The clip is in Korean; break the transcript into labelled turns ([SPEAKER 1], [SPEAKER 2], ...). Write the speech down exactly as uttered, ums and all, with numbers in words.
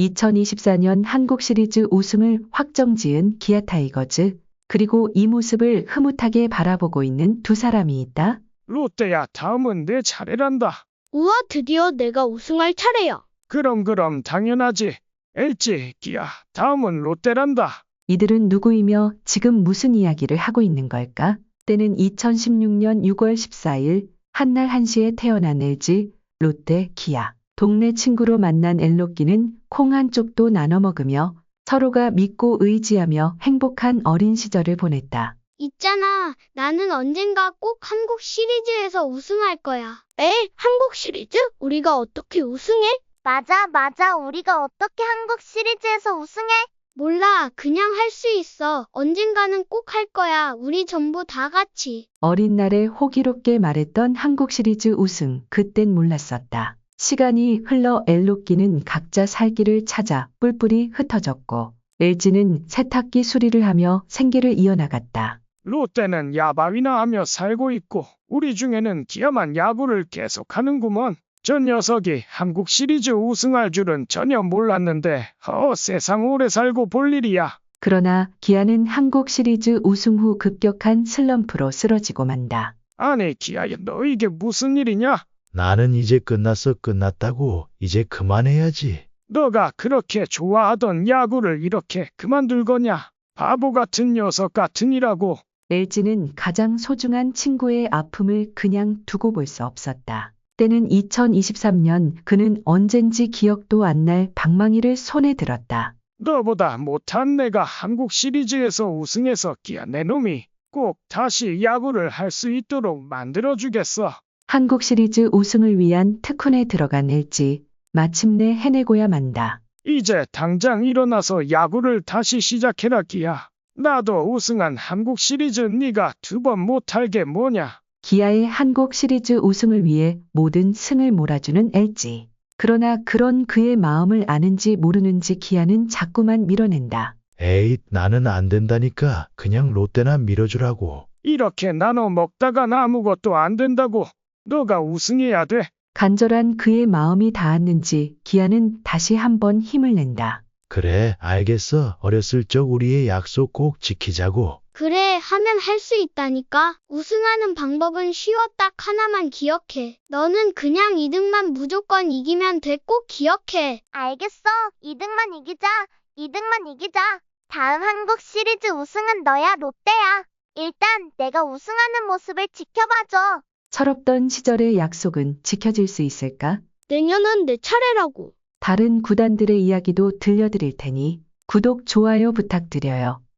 [SPEAKER 1] 이천이십사 년 한국 시리즈 우승을 확정지은 기아 타이거즈. 그리고 이 모습을 흐뭇하게 바라보고 있는 두 사람이 있다.
[SPEAKER 2] 롯데야, 다음은 내 차례란다.
[SPEAKER 3] 우와, 드디어 내가 우승할 차례야.
[SPEAKER 2] 그럼 그럼 당연하지. 엘지, 기아, 다음은 롯데란다.
[SPEAKER 1] 이들은 누구이며 지금 무슨 이야기를 하고 있는 걸까? 때는 이천십육 년 유월 십사일 한날 한시에 태어난 엘지, 롯데, 기아. 동네 친구로 만난 엘로끼는 콩 한 쪽도 나눠 먹으며 서로가 믿고 의지하며 행복한 어린 시절을 보냈다.
[SPEAKER 3] 있잖아, 나는 언젠가 꼭 한국 시리즈에서 우승할 거야. 에? 한국 시리즈? 우리가 어떻게 우승해?
[SPEAKER 4] 맞아, 맞아. 우리가 어떻게 한국 시리즈에서 우승해?
[SPEAKER 3] 몰라, 그냥 할 수 있어. 언젠가는 꼭 할 거야. 우리 전부 다 같이.
[SPEAKER 1] 어린 날에 호기롭게 말했던 한국 시리즈 우승, 그땐 몰랐었다. 시간이 흘러 엘로끼는 각자 살 길을 찾아 뿔뿔이 흩어졌고 엘지는 세탁기 수리를 하며 생계를 이어나갔다.
[SPEAKER 2] 롯데는 야바위나 하며 살고 있고 우리 중에는 기아만 야구를 계속하는구먼. 저 녀석이 한국 시리즈 우승할 줄은 전혀 몰랐는데 어 세상 오래 살고 볼 일이야.
[SPEAKER 1] 그러나 기아는 한국 시리즈 우승 후 급격한 슬럼프로 쓰러지고 만다.
[SPEAKER 2] 아니 기아야, 너 이게 무슨 일이냐?
[SPEAKER 5] 나는 이제 끝났어. 끝났다고. 이제 그만해야지.
[SPEAKER 2] 너가 그렇게 좋아하던 야구를 이렇게 그만둘 거냐? 바보 같은 녀석 같으니라고.
[SPEAKER 1] 엘지는 가장 소중한 친구의 아픔을 그냥 두고 볼 수 없었다. 때는 이천이십삼 년 그는 언젠지 기억도 안 날 방망이를 손에 들었다.
[SPEAKER 2] 너보다 못한 내가 한국 시리즈에서 우승해서 기아 내 놈이 꼭 다시 야구를 할 수 있도록 만들어주겠어.
[SPEAKER 1] 한국 시리즈 우승을 위한 특훈에 들어간 엘지. 마침내 해내고야 만다.
[SPEAKER 2] 이제 당장 일어나서 야구를 다시 시작해라 기아. 나도 우승한 한국 시리즈 네가 두 번 못할 게 뭐냐.
[SPEAKER 1] 기아의 한국 시리즈 우승을 위해 모든 승을 몰아주는 엘지. 그러나 그런 그의 마음을 아는지 모르는지 기아는 자꾸만 밀어낸다.
[SPEAKER 5] 에이, 나는 안 된다니까. 그냥 롯데나 밀어주라고.
[SPEAKER 2] 이렇게 나눠 먹다간 아무것도 안 된다고. 너가 우승해야 돼.
[SPEAKER 1] 간절한 그의 마음이 닿았는지 기아는 다시 한번 힘을 낸다.
[SPEAKER 5] 그래, 알겠어. 어렸을 적 우리의 약속 꼭 지키자고.
[SPEAKER 3] 그래, 하면 할 수 있다니까. 우승하는 방법은 쉬워. 딱 하나만 기억해. 너는 그냥 이 등만 무조건 이기면 돼. 꼭 기억해.
[SPEAKER 4] 알겠어. 이 등만 이기자. 이 등만 이기자. 다음 한국 시리즈 우승은 너야, 롯데야. 일단 내가 우승하는 모습을 지켜봐줘.
[SPEAKER 1] 철없던 시절의 약속은 지켜질 수 있을까?
[SPEAKER 3] 내년은 내 차례라고.
[SPEAKER 1] 다른 구단들의 이야기도 들려드릴 테니 구독, 좋아요 부탁드려요.